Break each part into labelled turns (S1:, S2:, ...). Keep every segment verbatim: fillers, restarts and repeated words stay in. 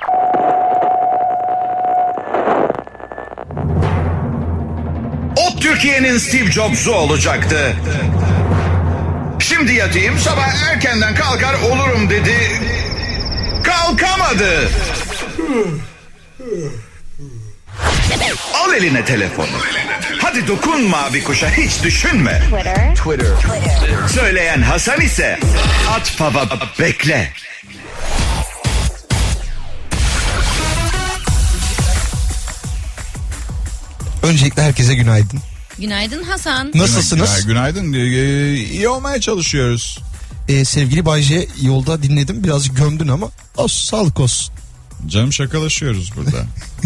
S1: O Türkiye'nin Steve Jobs'u olacaktı. Şimdi yatayım, sabah erkenden kalkar olurum dedi. Kalkamadı. Al eline telefonu. Hadi dokun mavi kuşa, hiç düşünme.
S2: Twitter.
S1: Twitter. Twitter. Söyleyen Hasan ise at baba bekle.
S3: Öncelikle herkese günaydın.
S4: Günaydın Hasan.
S3: Nasılsınız?
S5: Günaydın. Ee, iyi olmaya çalışıyoruz.
S3: Ee, sevgili Bayce, yolda dinledim, birazcık gömdün ama olsun, sağlık olsun.
S5: Canım, şakalaşıyoruz burada.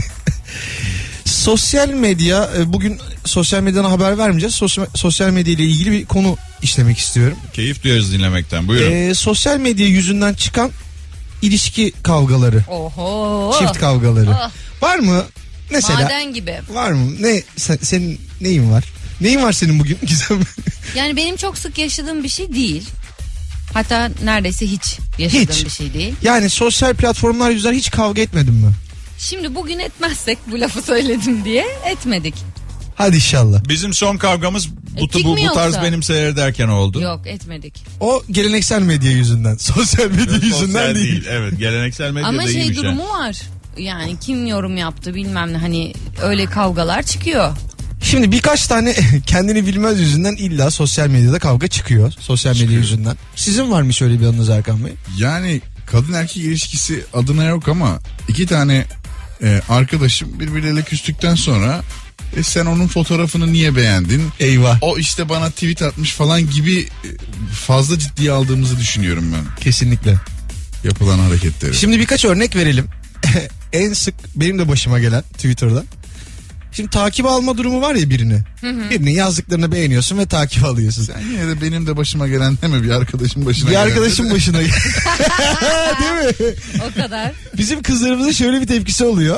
S3: Sosyal medya, bugün sosyal medyadan haber vermeyeceğiz. Sosyal, sosyal medya ile ilgili bir konu işlemek istiyorum.
S5: Keyif duyarız dinlemekten. Buyurun.
S3: Ee, sosyal medya yüzünden çıkan ilişki kavgaları.
S4: Oho.
S3: Çift kavgaları.
S4: Oh.
S3: Var mı? Mesela.
S4: Maden gibi.
S3: Var mı? Ne sen, senin neyin var? Neyin var senin bugün Gizem?
S4: Yani benim çok sık yaşadığım bir şey değil. Hatta neredeyse hiç yaşadığım
S3: Hiç.
S4: bir şey değil.
S3: Yani sosyal platformlar yüzünden hiç kavga etmedin mi?
S4: Şimdi bugün etmezsek bu lafı söyledim diye etmedik.
S3: Hadi inşallah.
S5: Bizim son kavgamız bu,
S4: Ettik
S5: bu,
S4: mi
S5: bu tarz
S4: yoksa?
S5: benim seyrederken oldu.
S4: Yok, etmedik.
S3: O geleneksel medya yüzünden. Sosyal medya yüzünden
S5: Sosyal
S3: değil.
S5: değil. Evet, geleneksel medyada
S4: Ama şey
S5: iyiymiş
S4: durumu var. Yani kim yorum yaptı bilmem ne, hani öyle kavgalar çıkıyor.
S3: Şimdi birkaç tane kendini bilmez yüzünden illa sosyal medyada kavga çıkıyor. Sosyal medya
S5: Çıkıyor.
S3: yüzünden. Sizin var mı şöyle bir anınız Erkan Bey?
S6: Yani kadın erkek ilişkisi adına yok ama iki tane e, arkadaşım birbirleriyle küstükten sonra e, sen onun fotoğrafını niye beğendin?
S3: Eyvah.
S6: O işte bana tweet atmış falan gibi e, fazla ciddiye aldığımızı düşünüyorum ben
S3: Kesinlikle.
S6: yapılan hareketleri.
S3: Şimdi birkaç örnek verelim. En sık benim de başıma gelen Twitter'da. Şimdi takip alma durumu var ya birini. Hı hı. Birinin yazdıklarını beğeniyorsun ve takip alıyorsun.
S6: Sen yine de benim de başıma gelen deme, bir arkadaşım başına
S3: Bir
S6: gelen.
S3: arkadaşın başına gel- değil mi?
S4: O kadar.
S3: Bizim kızlarımızın şöyle bir tepkisi oluyor.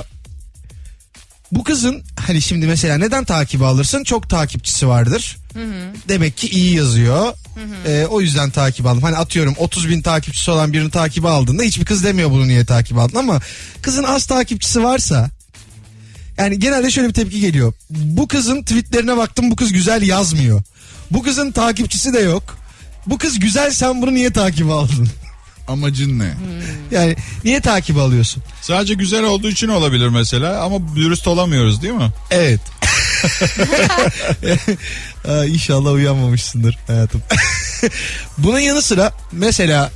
S3: Bu kızın hani şimdi mesela neden takibi alırsın? Çok takipçisi vardır. Hı hı. Demek ki iyi yazıyor. Hı hı. Ee, o yüzden takip aldım. Hani atıyorum otuz bin takipçisi olan birini takibi aldığında hiçbir kız demiyor bunu niye takip aldın, ama kızın az takipçisi varsa yani genelde şöyle bir tepki geliyor. Bu kızın tweetlerine baktım, bu kız güzel yazmıyor. Bu kızın takipçisi de yok. Bu kız güzel, sen bunu niye takip aldın?
S6: Amacın ne?
S3: Yani niye takip alıyorsun?
S5: Sadece güzel olduğu için olabilir mesela, ama dürüst olamıyoruz değil mi?
S3: Evet. Aa, İnşallah uyanmamışsındır hayatım. Bunun yanı sıra mesela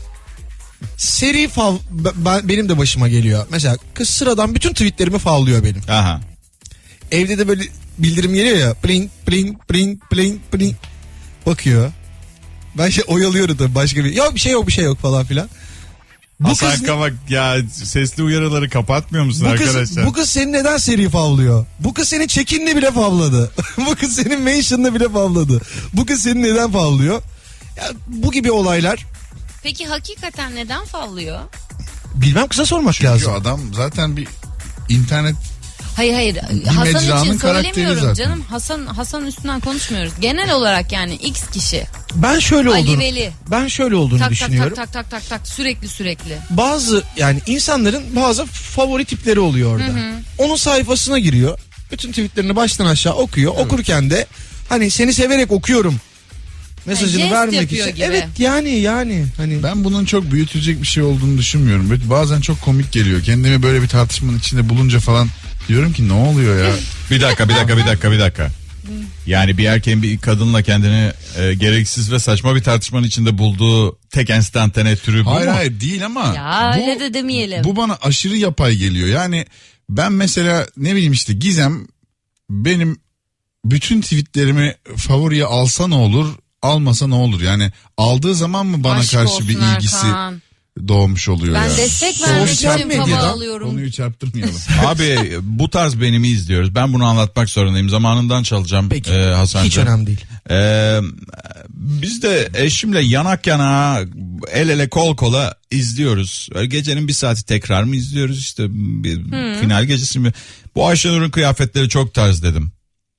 S3: seri fav ben, benim de başıma geliyor. Mesela kız sıradan bütün tweetlerimi favlıyor benim.
S5: Aha.
S3: Evde de böyle bildirim geliyor ya. Pling pling pling pling pling. Bakıyor. Ben şey oyalıyorum tabii, başka bir. Yok bir şey yok bir şey yok falan filan. Bu
S5: Hasan
S3: kız,
S5: Kavak ya, sesli uyarıları kapatmıyor musun
S3: bu
S5: arkadaşlar?
S3: kız, bu kız seni neden seri favlıyor? Bu kız seni check-in'le bile favladı. Bu kız senin mention'la bile favladı. Bu kız seni neden favlıyor? Ya, bu gibi olaylar.
S4: Peki hakikaten neden favlıyor?
S3: Bilmem, kıza sormak
S6: Çünkü
S3: lazım.
S6: adam zaten bir internet.
S4: Hayır hayır,
S6: Bir
S4: Hasan
S6: mecranın
S4: için
S6: karakteri
S4: söylemiyorum
S6: zaten.
S4: canım. Hasan Hasan üstünden konuşmuyoruz. Genel olarak yani X kişi.
S3: Ben şöyle
S4: Ali
S3: olduğunu,
S4: Veli.
S3: ben şöyle olduğunu
S4: Tak tak
S3: düşünüyorum.
S4: tak tak tak tak tak sürekli sürekli.
S3: Bazı yani insanların bazı favori tipleri oluyor orada. Hı hı. Onun sayfasına giriyor. Bütün tweetlerini baştan aşağı okuyor. Evet. Okurken de hani seni severek okuyorum mesajını
S4: jest
S3: vermek
S4: yapıyor
S3: için.
S4: gibi.
S3: Evet yani yani hani
S6: Ben bunun çok büyütülecek bir şey olduğunu düşünmüyorum. Böyle bazen çok komik geliyor. Kendimi böyle bir tartışmanın içinde bulunca falan diyorum ki ne oluyor ya?
S5: Bir dakika bir dakika bir dakika bir dakika. Yani bir erkeğin bir kadınla kendini e, gereksiz ve saçma bir tartışmanın içinde bulduğu tek enstantane türü bu
S6: Hayır
S5: mu?
S6: hayır değil ama
S4: Ya
S6: bu,
S4: öyle de demeyelim.
S6: bu bana aşırı yapay geliyor. Yani ben mesela ne bileyim işte Gizem benim bütün tweetlerimi favoriye alsa ne olur, almasa ne olur? Yani aldığı zaman mı bana
S4: Aşk
S6: karşı
S4: olsun
S6: bir ilgisi
S4: Erkan.
S6: doğmuş oluyor
S4: Ben
S6: ya?
S4: destek vermek
S3: Sosyal
S4: için
S3: medyadan
S4: hava alıyorum.
S6: Konuyu çarptırmayalım.
S5: Abi bu tarz benimi izliyoruz. Ben bunu anlatmak zorundayım. Zamanından çalacağım
S3: Peki.
S5: e, Hasan'cığım.
S3: hiç önemli değil.
S5: Ee, biz de eşimle yanak yana, el ele kol kola izliyoruz. Öyle gecenin bir saati tekrar mı izliyoruz işte, bir
S4: Hmm.
S5: final gecesi mi? Bu Ayşenur'un kıyafetleri çok tarz dedim.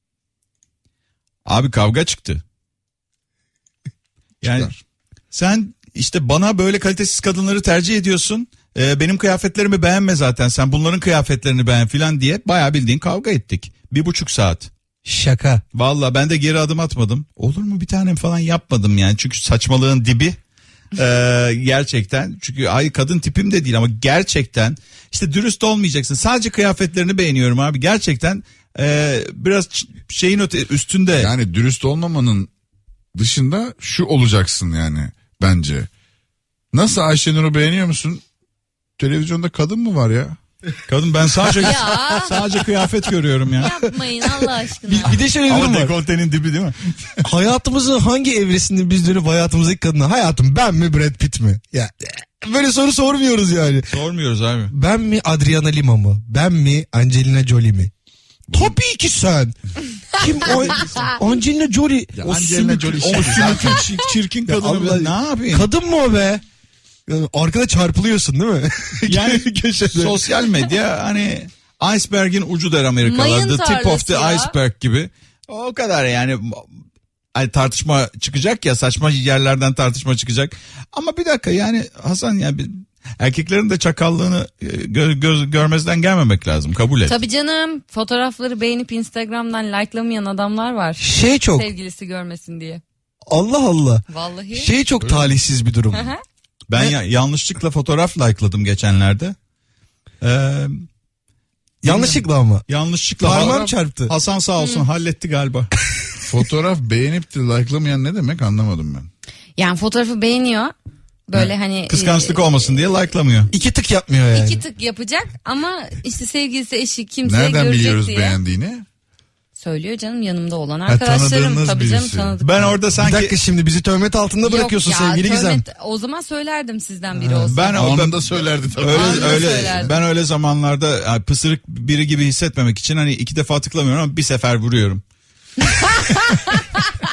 S5: Abi kavga çıktı. Yani
S6: Çıkar.
S5: sen işte bana böyle kalitesiz kadınları tercih ediyorsun. Ee, benim kıyafetlerimi beğenme zaten, sen bunların kıyafetlerini beğen filan diye bayağı bildiğin kavga ettik. Bir buçuk saat.
S3: Şaka.
S5: Valla ben de geri adım atmadım. Olur mu bir tanem falan yapmadım yani. Çünkü saçmalığın dibi. Ee, gerçekten. Çünkü ay kadın tipim de değil ama gerçekten işte dürüst olmayacaksın. Sadece kıyafetlerini beğeniyorum abi. Gerçekten e, biraz ç- şeyin öte üstünde.
S6: Yani dürüst olmamanın dışında şu olacaksın yani bence. Nasıl, Ayşenur'u beğeniyor musun? Televizyonda kadın mı var ya?
S5: Kadın, ben sadece
S4: Ya.
S5: sadece kıyafet görüyorum ya.
S4: Yapmayın Allah aşkına.
S3: Bir, bir de şöyle bir durum
S5: Ama
S3: var.
S5: dekoltenin dibi değil mi?
S3: Hayatımızın hangi evresinde biz dönüp hayatımızdaki kadına hayatım ben mi Brad Pitt mi? Ya böyle soru sormuyoruz yani.
S5: Sormuyoruz abi.
S3: Ben mi Adriana Lima mı? Ben mi Angelina Jolie mi? Tabii ki sen. Kim o? Angelina Jolie.
S6: Ya
S3: O
S6: Angelina
S3: sümük-
S6: Jolie
S3: o
S6: şey
S3: sümük-
S6: zaten-
S5: Çirkin, çirkin
S3: Ya
S5: kadını
S3: Allah-
S5: ben ne yapayım?
S3: Kadın mı o be? Yani arkada çarpılıyorsun değil mi?
S5: Yani
S3: köşede.
S5: sosyal medya hani iceberg'in ucu der Amerikalılar.
S4: Mayın
S5: The tip of the
S4: tarlası ya.
S5: iceberg gibi. O kadar yani. Hani tartışma çıkacak ya, saçma yerlerden tartışma çıkacak. Ama bir dakika yani Hasan, yani bir, erkeklerin de çakallığını e, gö- göz, görmezden gelmemek lazım, kabul et.
S4: Tabii canım, fotoğrafları beğenip Instagram'dan like'lamayan adamlar var.
S3: Şey çok
S4: Sevgilisi görmesin diye.
S3: Allah Allah.
S4: Vallahi.
S3: Şey çok talihsiz bir durum.
S5: Ben ya, yanlışlıkla fotoğraf likeladım geçenlerde. Ee,
S3: Yanlışlıkla ama.
S5: yanlışlıkla
S3: Parmağım
S5: Ha-
S3: çarptı.
S5: Hasan sağ olsun halletti galiba.
S6: Fotoğraf beğenip de like'lamayan ne demek, anlamadım ben.
S4: Yani fotoğrafı beğeniyor. Böyle hani.
S5: Kıskançlık
S4: e,
S5: olmasın diye likelamıyor.
S3: İki tık yapmıyor yani.
S4: İki tık yapacak ama işte sevgilisi, eşi, kimse
S6: Nereden
S4: görecek
S6: biliyoruz
S4: diye.
S6: beğendiğini?
S4: Söylüyor canım, yanımda olan arkadaşlarım.
S6: tanıdığınız
S4: Tabii canım,
S6: birisi.
S4: tanıdık.
S5: Ben orada
S3: Bir
S5: sanki
S3: dakika, şimdi bizi töhmet altında bırakıyorsun
S4: Yok ya,
S3: sevgili Gizem.
S4: tövbe- O zaman söylerdim sizden biri olsa.
S5: ben
S6: Onu
S5: ben-
S6: da söylerdi tabii.
S5: öyle
S4: Anında
S5: öyle
S4: söylerdim.
S5: ben öyle zamanlarda yani pısırık biri gibi hissetmemek için hani iki defa tıklamıyorum ama bir sefer vuruyorum.